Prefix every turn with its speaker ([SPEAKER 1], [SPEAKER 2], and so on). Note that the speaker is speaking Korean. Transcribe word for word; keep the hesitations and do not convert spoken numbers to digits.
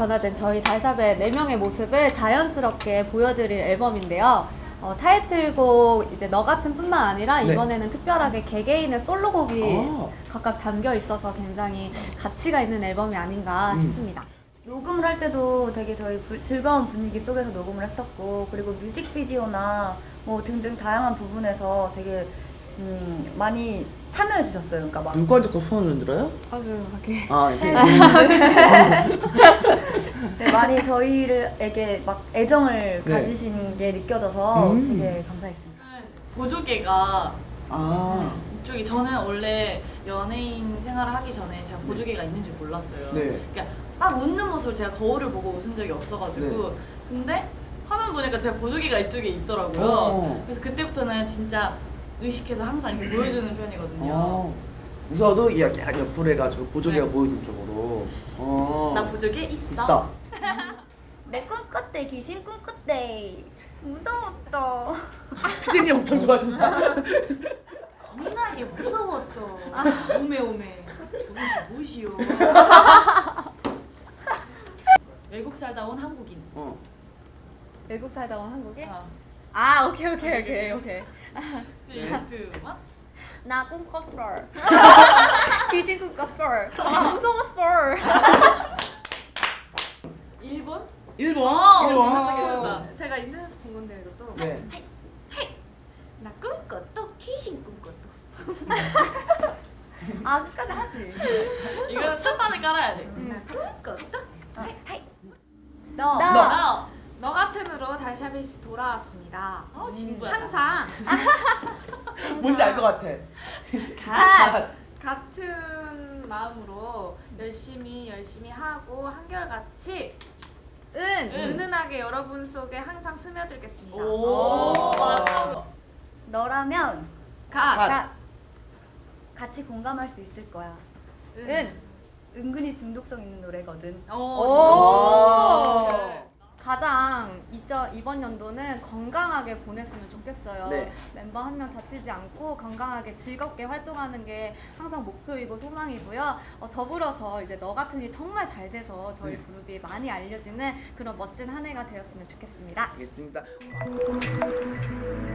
[SPEAKER 1] 변화된 저희 달샵의 네 명의 모습을 자연스럽게 보여드릴 앨범인데요. 어, 타이틀곡 이제 너 같은 뿐만 아니라
[SPEAKER 2] 네.
[SPEAKER 1] 이번에는 특별하게 개개인의 솔로곡이
[SPEAKER 2] 아.
[SPEAKER 1] 각각 담겨 있어서 굉장히 가치가 있는 앨범이 아닌가
[SPEAKER 2] 음.
[SPEAKER 1] 싶습니다.
[SPEAKER 3] 녹음을 할 때도 되게 저희 부, 즐거운 분위기 속에서 녹음을 했었고, 그리고 뮤직비디오나 뭐 등등 다양한 부분에서 되게 음, 많이 참여해 주셨어요. 그러니까 막
[SPEAKER 2] 누구한테 그 폰을 흔들어요?
[SPEAKER 1] 아주 이렇게
[SPEAKER 2] 아, 이렇게.
[SPEAKER 3] 네, 많이 저희에게 막 애정을
[SPEAKER 2] 네.
[SPEAKER 3] 가지신 게 느껴져서
[SPEAKER 2] 음.
[SPEAKER 3] 되게 감사했습니다.
[SPEAKER 4] 보조개가
[SPEAKER 2] 아,
[SPEAKER 4] 이쪽이 저는 원래 연예인 생활을 하기 전에 제가 보조개가 있는 줄 몰랐어요.
[SPEAKER 2] 네.
[SPEAKER 4] 그러니까 막 웃는 모습을 제가 거울을 보고 웃은 적이 없어가지고
[SPEAKER 2] 네.
[SPEAKER 4] 근데 화면 보니까 제가 보조개가 이쪽에 있더라고요.
[SPEAKER 2] 어.
[SPEAKER 4] 그래서 그때부터는 진짜 의식해서 항상 이렇게 보여주는 편이거든요.
[SPEAKER 2] 어. 웃어도 이렇게 약간 옆으로 해가지고 보조개가
[SPEAKER 4] 네.
[SPEAKER 2] 보이는 쪽으로. 어.
[SPEAKER 4] 나 보조개 있어.
[SPEAKER 2] 있어.
[SPEAKER 3] 내 꿈꿨대, 귀신 꿈꿨대. 무서웠다.
[SPEAKER 2] 피디님 엄청 좋아하신다.
[SPEAKER 4] 겁나게 무서웠죠. 오메 오메. 저것이 무엇이요? 외국 살다 온 한국인.
[SPEAKER 2] 어.
[SPEAKER 1] 외국 살다 온 한국에?
[SPEAKER 4] 아,
[SPEAKER 1] 아 오케이 오케이 오케이 오케이.
[SPEAKER 4] 쓰리, 투, 원.
[SPEAKER 1] 나 꿈꿨어. 귀신 꿈꿨어. 아 무서웠어.
[SPEAKER 4] 일본?
[SPEAKER 2] 일본.
[SPEAKER 4] 어,
[SPEAKER 2] 일본.
[SPEAKER 4] 깜짝이야.
[SPEAKER 5] 제가 인터넷에서 본 건데 이것도
[SPEAKER 2] 네.
[SPEAKER 5] 나 꿈꿨도 귀신 꿈꿨도
[SPEAKER 1] 아 끝까지 하지.
[SPEAKER 4] 이거 첫판을 깔아야 돼.
[SPEAKER 5] 나 꿈꿨도 하이
[SPEAKER 3] 너,
[SPEAKER 1] 나.
[SPEAKER 4] 나.
[SPEAKER 5] 너 같은으로 달샤빗이 돌아왔습니다.
[SPEAKER 4] 어, 친구야.
[SPEAKER 5] 항상
[SPEAKER 2] 뭔지 알 것 같아.
[SPEAKER 5] 가, 같은 마음으로 열심히 열심히 하고 한결같이
[SPEAKER 1] 은.
[SPEAKER 5] 은은하게 여러분 속에 항상 스며들겠습니다.
[SPEAKER 4] 오, 맞아.
[SPEAKER 3] 너라면
[SPEAKER 5] 가,
[SPEAKER 2] 가.
[SPEAKER 1] 가.
[SPEAKER 3] 같이 공감할 수 있을 거야.
[SPEAKER 5] 은,
[SPEAKER 1] 은.
[SPEAKER 3] 은근히 중독성 있는 노래거든.
[SPEAKER 4] 오.
[SPEAKER 1] 오.
[SPEAKER 4] 오케이.
[SPEAKER 1] 가장 이저, 이번 연도는 건강하게 보냈으면 좋겠어요.
[SPEAKER 2] 네.
[SPEAKER 1] 멤버 한 명 다치지 않고 건강하게 즐겁게 활동하는 게 항상 목표이고 소망이고요. 어, 더불어서 이제 너 같은 이 정말 잘 돼서 저희
[SPEAKER 2] 네.
[SPEAKER 1] 그룹이 많이 알려지는 그런 멋진 한 해가 되었으면 좋겠습니다.
[SPEAKER 2] 알겠습니다.